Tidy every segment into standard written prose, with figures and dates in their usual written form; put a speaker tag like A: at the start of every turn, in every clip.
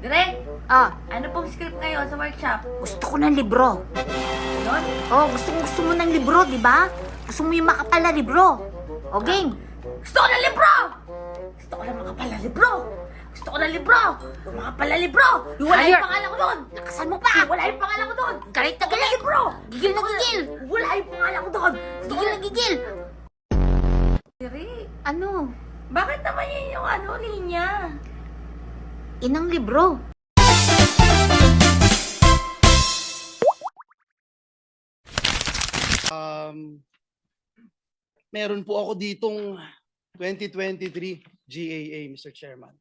A: Direk,
B: Ah,
A: ano pong script ngayon sa workshop?
B: gusto ko ng libro.
A: Yun?
B: Oh, gusto mo ng libro, di ba? Gusto mo yung makapal na libro. O, game.
A: Gusto ko ng libro! Gusto ko ng makapal na libro! Gusto ko ng libro! Yung makapal na libro! Yung wala
B: Higher.
A: yung pangalan ko doon!
B: Lakasan mo pa.
A: Yung wala yung pangalan ko doon!
B: Galit na
A: Gusto ko ng
B: galit.
A: libro!
B: Gigil na gigil.
A: Wala yung pangalan ko doon! Gusto ko
B: Gigil na
A: ng...
B: gigil.
A: Direk,
B: Ano?
A: bakit naman yun yung linya?
B: Inang libro.
C: Meron po ako ditong 2023 GAA, Mr. Chairman.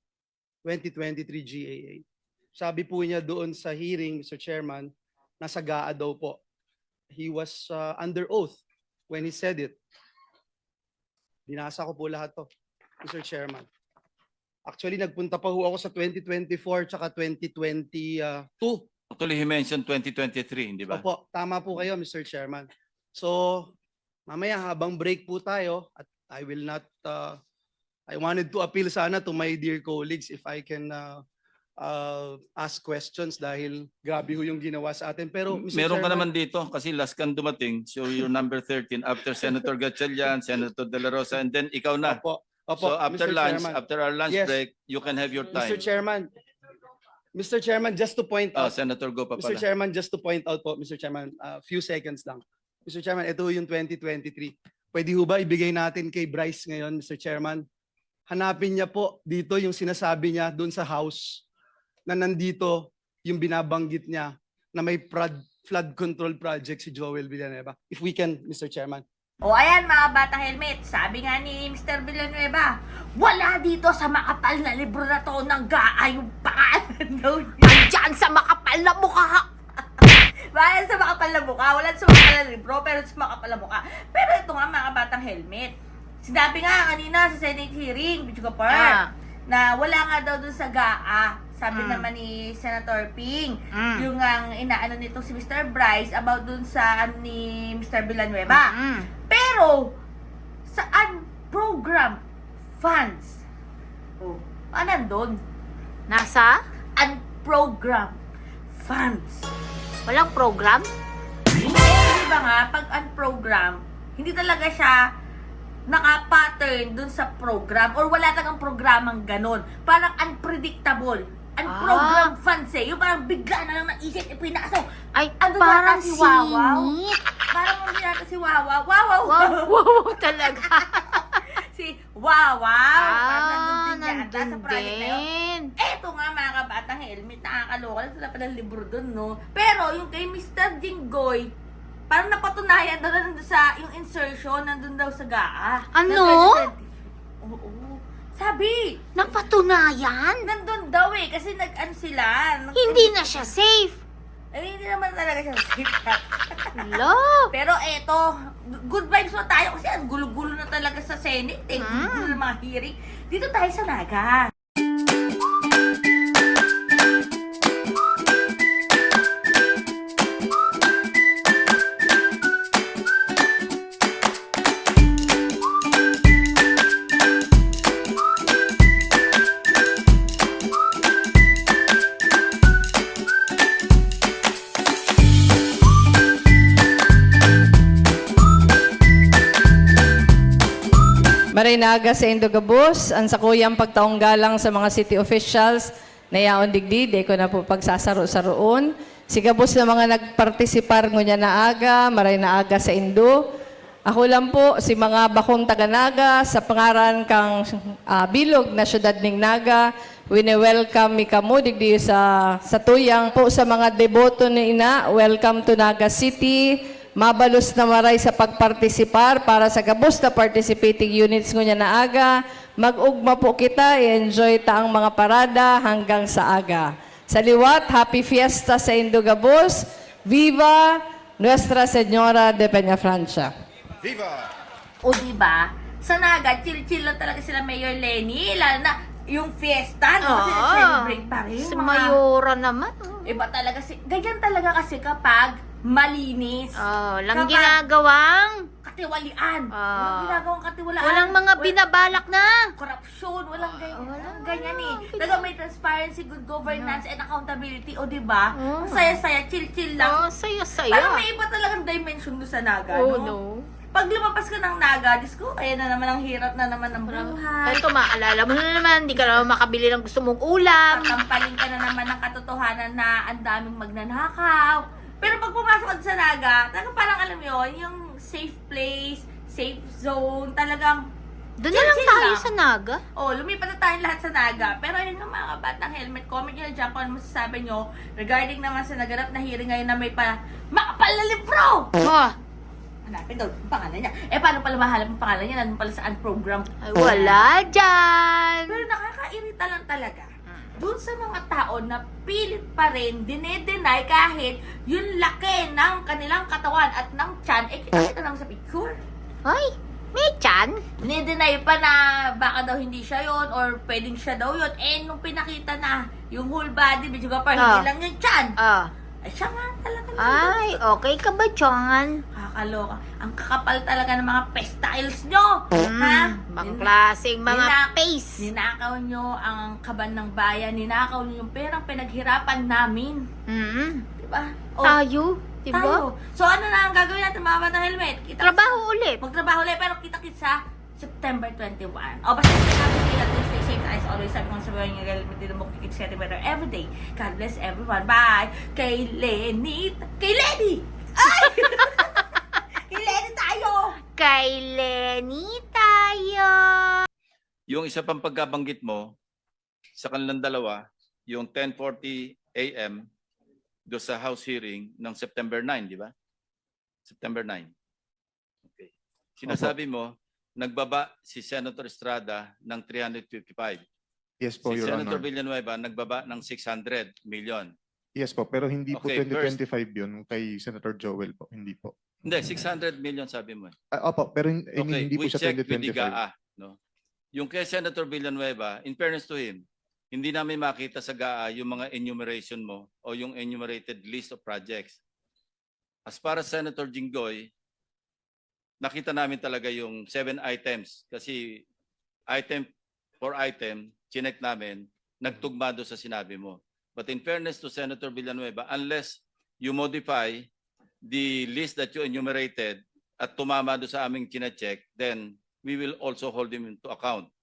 C: 2023 GAA. Sabi po niya doon sa hearing, Mr. Chairman, nasa GAA daw po. He was under oath when he said it. Binasa ko po lahat to, Mr. Chairman. Actually, nagpunta pa ho ako sa 2024 tsaka 2022.
D: Actually, he mentioned 2023, hindi ba?
C: Opo, tama po kayo, Mr. Chairman. So, mamaya habang break po tayo, at I will not, I wanted to appeal sana to my dear colleagues if I can ask questions dahil grabe ho yung ginawa sa atin. Pero, Mr.
D: Meron ka
C: Chairman,
D: naman dito kasi last kang dumating. So you're number 13 after Senator Gatchalian, Senator De La Rosa, and then ikaw na.
C: Opo,
D: So after
C: Mr.
D: lunch,
C: Chairman.
D: after our lunch
C: Yes.
D: break, you can have your time.
C: Mr. Chairman, just to point out,
D: Senator, go pa
C: Mr.
D: pala.
C: Chairman, just to point out po, Mr. Chairman, few seconds lang. Mr. Chairman, ito yung 2023. Pwede ho ba ibigay natin kay Bryce ngayon, Mr. Chairman? Hanapin niya po dito yung sinasabi niya doon sa House na nandito yung binabanggit niya na may flood control project si Joel Villanueva. If we can, Mr. Chairman.
A: O ayan mga batang helmet, sabi nga ni Mr. Villanueva, wala dito sa makapal na libro na to ng GAA yung pangalan daw niya.
B: Diyan sa makapal na mukha.
A: Wala sa makapal na mukha, wala sa makapal na libro, pero sa makapal na mukha. Pero ito nga mga batang helmet, sinabi nga kanina sa Senate hearing, Bicho Kapar, na wala nga daw dun sa GAA. Sabi naman ni Senator Ping, yung ang inaano nito si Mr. Bryce about dun sa ni Mr. Villanueva. Pero, saan program funds? Oh, nandun?
B: Nasa?
A: Unprogram funds.
B: Walang program?
A: Di ba nga, pag unprogram, hindi talaga siya naka-pattern dun sa program or wala talagang programang ganun. Parang unpredictable. Unprogram funds eh. Yung parang bigla na lang naisip, ipinasok.
B: Ay,
A: Ano
B: parang
A: yata si Wawaw?
B: singit.
A: Parang hindi yata si Wawaw. Wawaw!
B: Wow, talaga.
A: Si Wawaw. Parang nandun din yata
B: nandun
A: sa project na yun.
B: din.
A: Eto nga mga kabatang helmet, nakakaloka lang sila palang libro dun, no? Pero yung kay Mr. Jinggoy, parang napatunayan daw na nandun sa, yung insertion, nandun daw sa GAA.
B: Ano?
A: Oo. Sabi,
B: Napatunayan?
A: nandun daw eh, kasi nag-ano sila.
B: Hindi na siya safe.
A: Hindi naman talaga siya safe.
B: Love.
A: Pero eto, good vibes mo tayo kasi ang gulo-gulo na talaga sa Senate eh. Gulo-gulo ng mga hearing. Dito tayo sa Naga.
E: Marinaga sa Indogabus, ang sakuyang pagtaong galang sa mga city officials na yaon digdi, de ko na po pagsasaro-saroon. Sigabos na mga nagpartisipar ngunya na aga, maray na aga sa Indo. Ako lang po, si mga bakong taga-Naga, sa pangaran kang bilog na syudad ning Naga, wini-welcome mi kamo digdi sa tuyang po sa mga deboto ni ina, welcome to Naga City. Mabalos na maray sa pagpartisipar para sa gabos na participating units ngunya na aga. Mag-ugma po kita, i-enjoy ta ang mga parada hanggang sa aga. Sa liwat, happy fiesta sa Indogabos. Viva Nuestra Señora de Peñafrancia.
A: O diba, sa Naga, chill-chill lang talaga sila Mayor Lenny. Lalo na yung fiesta, no? Kasi celebrate pa rin.
B: Si
A: mga-
B: Mayora naman.
A: Iba talaga ganyan talaga kasi kapag malinis.
B: Lang
A: Kapag
B: ginagawang.
A: katiwalian.
B: Ah.
A: Walang ginagawang katiwalaan.
B: Walang mga binabalak na.
A: Korupsyon, walang ganyan.
B: walang
A: ganyan eh.
B: ganyan.
A: Talaga may transparency, good governance, and accountability. O, diba?
B: Oh.
A: Ang saya-saya, chill-chill lang.
B: Saya-saya.
A: Parang may iba talagang dimension doon sa Naga,
B: Oh,
A: no?
B: no.
A: Pag lumabas ka ng Naga, Diyos ko, kaya na naman ang hirap na naman ng buhay.
B: Ito, maalala mo na naman, hindi ka naman makabili ng gusto mong ulam.
A: Tatampaling ka na naman ng katotohanan na ang daming magnanakaw. Pero pag pumasok ka sa Naga, talagang parang alam mo yun, yung safe place, safe zone, talagang
B: Doon na lang
A: chill
B: tayo
A: lang.
B: sa Naga.
A: oh, lumipat na tayong lahat sa Naga. Pero ayun nga mga kabatang helmet, comment nyo na dyan kung ano masasabi nyo regarding naman sa naganap na hearing ngayon na may makapal na libro!
B: Oh,
A: Hanapin daw yung pangalan niya. Paano pala mahalap ang pangalan niya? Nandun pala saan program?
B: ay wala dyan.
A: Pero nakakairita lang talaga. Doon sa mga tao na pilit pa rin, dinedenay kahit yung laki ng kanilang katawan at ng tiyan, kita naman sa picture.
B: Ay, may chan.
A: Dinedenay pa na baka daw hindi siya yon or pwedeng siya daw yon. Nung pinakita na yung whole body, medyo pa hindi lang yung tiyan. Ay, siya nga talaga.
B: Ay, okay ka ba, Chongan?
A: Kakaloka. Ang kakapal talaga ng mga pestiles nyo. Ha?
B: Bang klaseng mga
A: Nina-
B: face.
A: Ninakaw nyo ang kaban ng bayan. Ninakaw nyo yung perang pinaghirapan namin. Diba? O,
B: Tayo, diba?
A: tayo. So, ano na ang gagawin natin mga batang helmet? Kita
B: Trabaho ulit.
A: Magtrabaho ulit, pero kita-kits sa September 21. O, basta stay safe as always. Sabi ko sa mga yung helmet dito mo kikits getting better every day. God bless everyone. Bye! Kay Lenny! Kay Lenny! Ay! Kay Lenny tayo!
B: Kay Lenny tayo.
D: Yung isa pang pagkabanggit mo sa kanilang dalawa, yung 10:40 a.m. do sa House hearing ng September 9, di ba? September 9. Okay. Sinasabi mo, nagbaba si Senator Estrada ng 355.
F: Yes po,
D: Si
F: Your
D: Senator
F: Honor.
D: Villanueva nagbaba ng 600 million.
F: Yes po, pero hindi po
D: Okay,
F: 2025 yun kay Senator Joel po. Hindi po.
D: Hindi, 600 million sabi mo.
F: Opo, pero
D: Okay,
F: hindi po
D: we
F: siya
D: checked with the
F: 2025.
D: GAA. No? Yung kay Senator Villanueva, in fairness to him, hindi namin makita sa GAA yung mga enumeration mo o yung enumerated list of projects. As para sa Senator Jinggoy, nakita namin talaga yung 7 items kasi item for item, chinek namin, nagtugma doon sa sinabi mo. But in fairness to Senator Villanueva, unless you modify the list that you enumerated at tumama doon sa aming chinecheck, then we will also hold him into account.